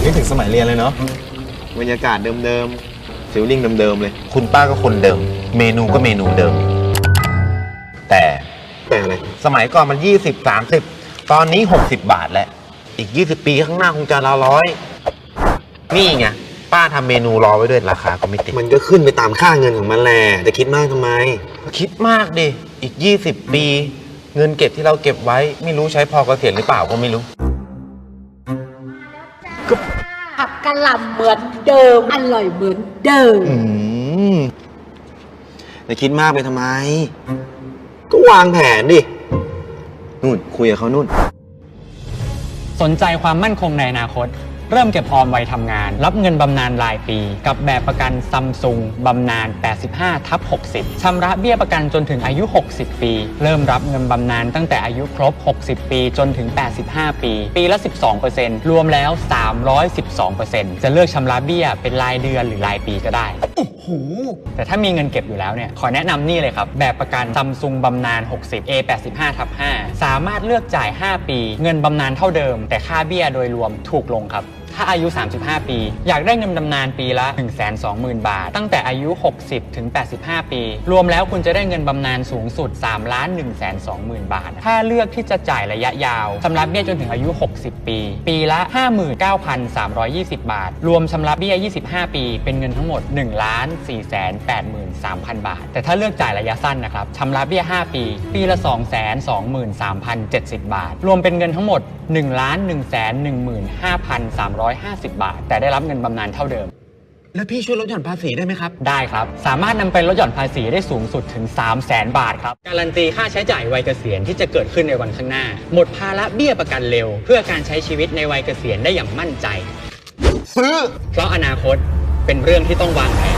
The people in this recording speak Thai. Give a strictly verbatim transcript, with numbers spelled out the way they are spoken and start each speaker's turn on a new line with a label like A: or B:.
A: นึกถึงสมัยเรียนเลยเนาะบรรยากาศเดิมๆฟิลลิ่งเดิมๆเลย
B: คุณป้าก็คนเดิมเมนูก็เมนูเดิมแต่
A: แต่อะไร
B: สมัยก่อนมันยี่สิบ สามสิบตอนนี้หกสิบบาทแล้วอีกยี่สิบปีข้างหน้าคงจะละร้อยนี่ไงป้าทำเมนูรอไว้ด้วยราคาก็ไม่ติด
A: มันก็ขึ้นไปตามค่าเงินของมันแหละจะคิดมากทำไม
B: คิดมากดิอีกยี่สิบปีเงินเก็บที่เราเก็บไว้ไม่รู้ใช้พอเกษียณหรือเปล่าก็ไม่รู้
C: ผักกะหล่ำเหมือนเดิมอร่อยเหมือนเดิม
A: อืมจะคิดมากไปทำไมก็วางแผนดินู่นคุยกับเขานู่น
D: สนใจความมั่นคงในอนาคตเริ่มเก็บออมวัยทำงานรับเงินบำนาญรายปีกับแบบประกันซัมซุงบำนาญ แปดสิบห้าทับหกสิบ ชำระเบี้ยประกันจนถึงอายุ หกสิบ ปี เริ่มรับเงินบำนาญตั้งแต่อายุครบ หกสิบ ปีจนถึง แปดสิบห้า ปี ปีละ สิบสองเปอร์เซ็นต์ รวมแล้ว สามร้อยสิบสองเปอร์เซ็นต์ จะเลือกชำระเบี้ยเป็นรายเดือนหรือรายปีก็ได้โอ้โหแต่ถ้ามีเงินเก็บอยู่แล้วเนี่ยขอแนะนำนี่เลยครับแบบประกันซัมซุงบำนาญ หกสิบ เอ แปดสิบห้าทับห้า สามารถเลือกจ่าย ห้า ปีเงินบำนาญเท่าเดิมแต่ค่าเบี้ยโดยรวมถูกลงครับถ้าอายุ สามสิบห้า ปีอยากได้เงินบำนาญปีละ หนึ่งแสนสองหมื่น บาทตั้งแต่อายุ หกสิบ ถึง แปดสิบห้า ปีรวมแล้วคุณจะได้เงินบำนาญสูงสุด สามล้านหนึ่งแสนสองหมื่น บาทถ้าเลือกที่จะจ่ายระยะยาวชำระเบี้ยจนถึงอายุ หกสิบ ปีปีละ ห้าหมื่นเก้าพันสามร้อยยี่สิบ บาทรวมชำระเบี้ยยี่สิบห้า ปีเป็นเงินทั้งหมด หนึ่งล้านสี่แสนแปดหมื่นสามพัน บาทแต่ถ้าเลือกจ่ายระยะสั้นนะครับชำระเบี้ย ห้า ปีปีละ สองแสนสองหมื่นสามพันเจ็ดสิบ บาทรวมเป็นเงินทั้งหมด หนึ่งล้านหนึ่งแสนหนึ่งหมื่นห้าพันสามร้อยห้าสิบ บาทแต่ได้รับเงินบำนาญเท่าเดิม
B: แล้วพี่ช่วยลดหย่อนภาษีได้ไหมครับ
D: ได้ครับสามารถนำไปลดหย่อนภาษีได้สูงสุดถึง สามแสน บาทครับการันตีค่าใช้จ่ายวัยเกษียณที่จะเกิดขึ้นในวันข้างหน้าหมดภาระเบี้ยประกันเร็วเพื่อการใช้ชีวิตในวัยเกษียณได้อย่างมั่นใจ
B: ซื้อ
D: เพราะอนาคตเป็นเรื่องที่ต้องวางแผน